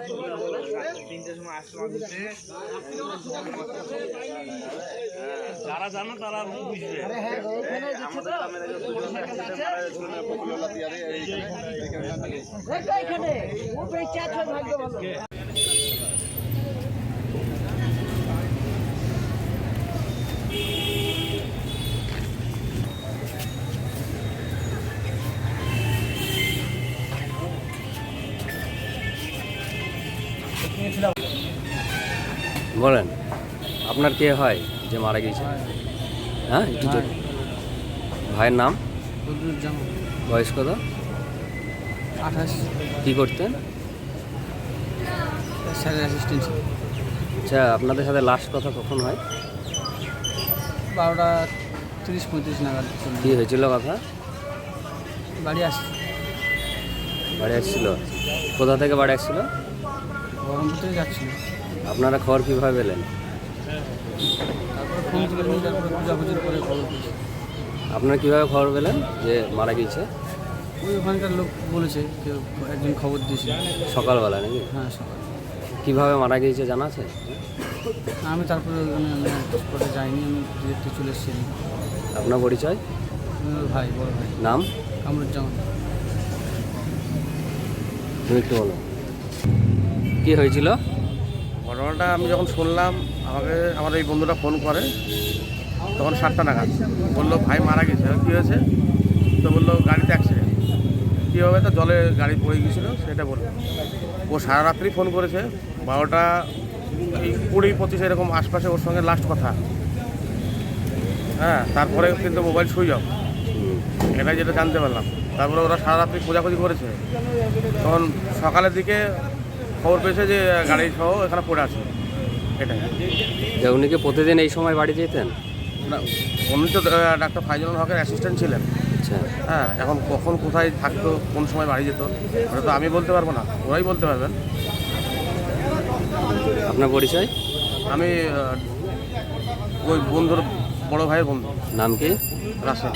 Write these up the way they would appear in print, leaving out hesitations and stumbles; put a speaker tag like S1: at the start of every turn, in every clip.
S1: যারা জানো তারা বুঝবে।
S2: বলেন, আপনার কে হয় যে মারা গিয়েছে? হ্যাঁ, একটু ভাইয়ের নাম? বয়স কত?
S3: 28।
S2: কী করতেন?
S3: স্যারের অ্যাসিস্ট্যান্ট।
S2: আচ্ছা, আপনাদের সাথে লাস্ট কথা কখন হয়?
S3: 12টা 30-35 নাগাদ।
S2: কী হয়েছিল কথা?
S3: বাড়ি আসছি।
S2: বাড়ি আসছিল? কোথা থেকে বাড়ি আসছিল?
S3: বহরমপুর থেকে যাচ্ছিল।
S2: আপনারা খবর কীভাবে পেলেন?
S3: তারপরে ফোন তুলে নিয়ে তারপরে খোঁজাখুঁজির করে খবর পেয়েছি।
S2: আপনারা কীভাবে খবর পেলেন যে মারা গিয়েছে?
S3: ওই ওখানকার লোক বলেছে, কেউ একজন খবর দিয়েছে।
S2: সকালবেলা নাকি?
S3: হ্যাঁ, সকাল।
S2: কীভাবে মারা গিয়েছে জানা আছে?
S3: আমি তারপরে স্পটে যাইনি, আমি ডিরেক্টে চলে এসেছি।
S2: আপনার পরিচয়?
S3: ভাই, বড় ভাই।
S2: নাম?
S3: কামরুজ্জামান।
S2: তুমি একটু বলো, কী হয়েছিল?
S4: ঘটনাটা আমি যখন শুনলাম, আমাকে আমার এই বন্ধুটা ফোন করে, তখন 7টা নাগাদ বললো ভাই মারা গেছে। কী হয়েছে? তো বললো গাড়িতে অ্যাক্সিডেন্ট। কী হবে? তো জলে গাড়ি পড়ে গিয়েছিলো সেটা বললো। ও সারা রাত্রি ফোন করেছে, 12টা 20-25 এরকম আশপাশে ওর সঙ্গে লাস্ট কথা। হ্যাঁ, তারপরে কিন্তু মোবাইল সুইচ অফ, এটাই যেটা জানতে পারলাম। তারপরে ওরা সারা রাত্রি খোঁজাখুঁজি করেছে, তখন সকালের দিকে খবর পেয়েছে যে গাড়ি সহ এখানে পড়ে আছে। এটাই।
S2: উনি কি প্রতিদিন এই সময় বাড়ি যেতেন?
S4: না, উনি তো ডাক্তার ফাইজুল হকের অ্যাসিস্ট্যান্ট ছিলেন।
S2: আচ্ছা।
S4: হ্যাঁ, এখন কখন কোথায় থাকতো, কোন সময় বাড়ি যেত, ওটা তো আমি বলতে পারবো না, ওরাই বলতে পারবেন।
S2: আপনার পরিচয়?
S4: আমি ওই বন্ধুর বড় ভাইয়ের বন্ধু।
S2: নাম কি?
S4: রাসেল।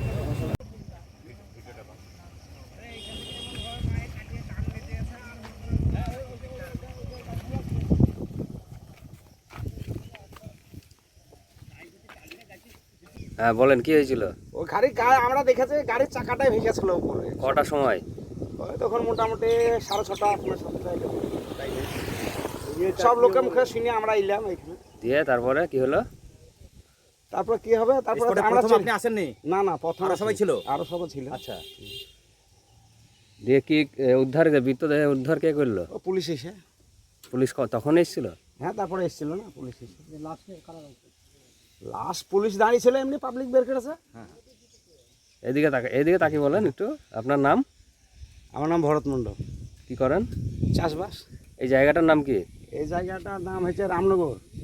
S2: হ্যাঁ বলেন, কি হয়েছিল?
S5: ও আমরা দেখেছি গাড়ির চাকাটাই ভেঙেছিল উপরে।
S2: কটার সময়?
S5: ওই তখন মোটামুটি 6:30 সব লোকের মুখে শুনে আমরা এলাম এখানে।
S2: দিয়ে তারপরে কি হলো?
S5: তারপর কি হবে? তারপরে আমরা আপনি আসেননি? না না, প্রথম সবাই ছিল, আরো সবাই ছিল। আচ্ছা,
S2: দিয়ে কি উদ্ধার, মৃতদেহ উদ্ধার কে করলো?
S5: ও পুলিশ এসে।
S2: পুলিশ তখন এসেছিল?
S5: হ্যাঁ, তারপরে এসেছিল না পুলিশ এসে। লাস্ট পুলিশ দাঁড়িয়ে ছিল, এমনি পাবলিক বের করেছে। হ্যাঁ,
S2: এদিকে তাকে বলেন একটু। আপনার নাম?
S5: আমার নাম ভরত মণ্ডল।
S2: কি করেন?
S5: চাষবাস।
S2: এই জায়গাটার নাম কি?
S5: এই জায়গাটার নাম হচ্ছে রামনগর।